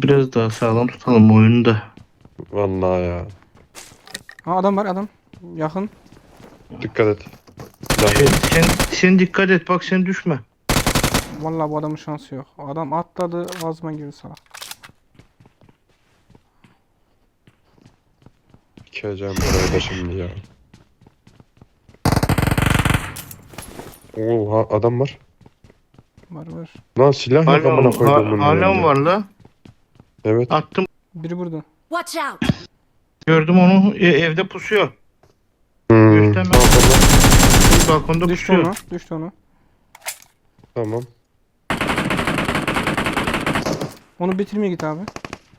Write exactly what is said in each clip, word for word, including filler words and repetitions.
Biraz daha sağlam tutalım oyunu da. Vallahi ya. Ha adam var adam. Yakın. Dikkat et. Sen, sen, sen dikkat et bak sen düşme. Vallahi bu adamın şansı yok. Adam atladı ağzıma girdi salak. Dikeceğim buraya da şimdi ya. Oo ha, adam var. Var var. Lan silah yok amına Hala, koyduğumun ha, hala yanında. var la. Evet. Attım. Biri burada. Watch out! Gördüm onu e, evde pusuyor. Hmm. Gösterme. Balkonda. Balkonda Düştü pusuyor. ona. Düştü ona. Tamam. Onu bitirmeye git abi.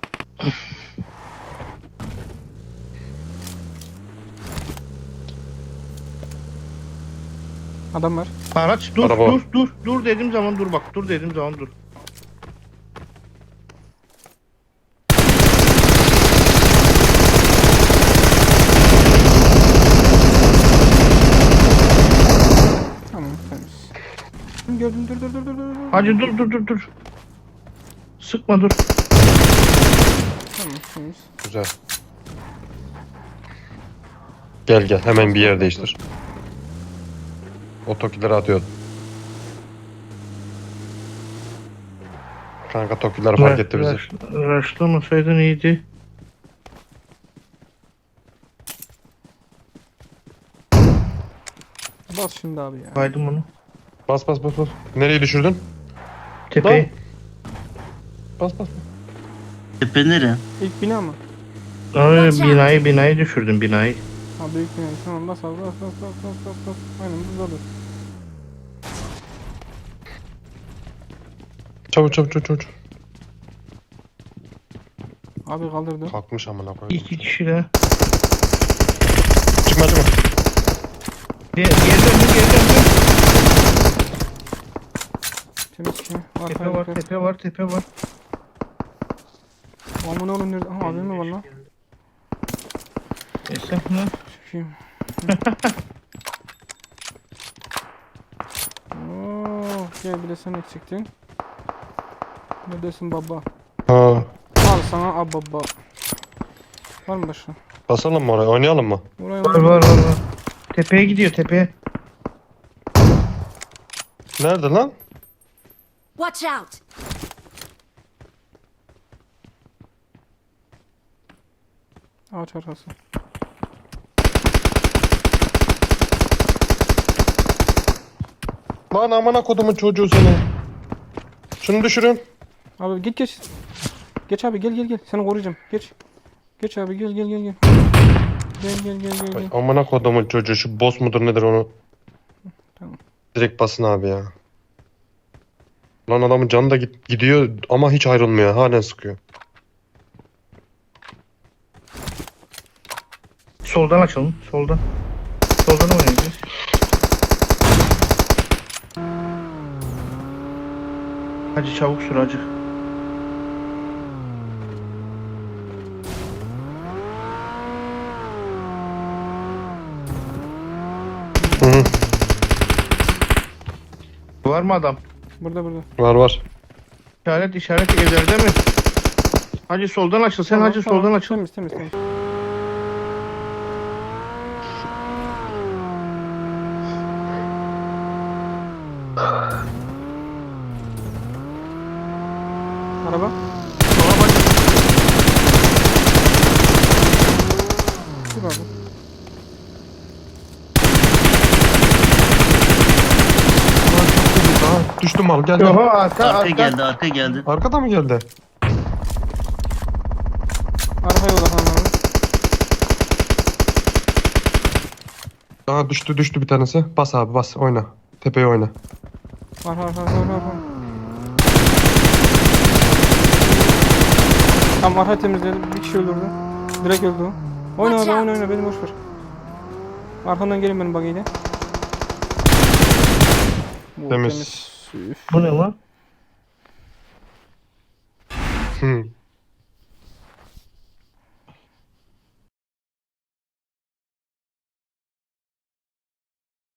Adam var. Araç dur Araba. dur dur dur dediğim zaman dur bak dur dediğim zaman dur. Tamam temiz. Gördüm dur dur dur dur dur. Hacı dur dur dur dur. Sıkma dur. Tamam temiz. Güzel. Gel gel hemen bir yer değiştir. O tokileri atıyor. Kanka tokiler fark etti bizi. Raşlamasaydın iyiydi. Bas şimdi abi ya. Kaydım onu. Bas bas bas bas. Nereyi düşürdün? Tepeyi. Bas bas. Tepe nere? İlk bina mı? Ay, binayı binayı düşürdüm binayı. Ha büyük bina. Tamam bas abi bas bas bas bas bas bas. Aynen burada dur. Çabuk çabuk çabuk çabuk. Abi kaldırdı. Kalkmış amına koyayım. İki kişi de. Çıkma çıkma. Gel gel dur gel dur. Temiz ki. Tepe var tepe var tepe var. Aman oğlum nerede? Aha abim mi var lan? Esnaf mı? Çıkayım. Oo, gel bir de sen eksiktin. Neredesin baba? Ha. Al sana ab baba. Var mı başka? Basalım mı oraya? Oynayalım mı? Oraya Var var var var. Tepeye gidiyor tepeye. Nerede lan? Watch out! Ağaç arkası. Lan amına kodumun çocuğu seni. Şunu düşürün. Abi git geç. Geç abi gel gel gel. Seni koruyacağım. Geç. Geç abi gel gel gel gel. Gel gel gel gel Ay, gel. amına kodumun çocuğu şu boss mudur nedir onu. Tamam. Direkt basın abi ya. Lan adamın canı da git gidiyor ama hiç ayrılmıyor. Halen sıkıyor. Soldan açalım. Soldan. Soldan oynayacağız. Hacı çabuk sür hacı. Hı hı. Var mı adam? Burada burada. Var var. İşaret işaret evlerde mi? Hacı soldan açıl. Sen Tamam, hacı tamam. soldan açıl. Temiz temiz temiz. Araba. Sola bak. Dur abi. Aa, düştü mal gel Yok gel. arka Arka arka. geldi, arka geldi. Arkada mı geldi? Arkaya odaklan abi. Aa düştü düştü bir tanesi. Bas abi bas oyna. Tepeye oyna. Var var var var var. Tamam arka temizledim. Bir kişi öldürdü. Direkt öldü o. Oyna Watch abi out. oyna oyna beni boş ver. Arkamdan gelin benim buggy'yle. Oo, Temiz. Üf. Bu ne lan? Hı.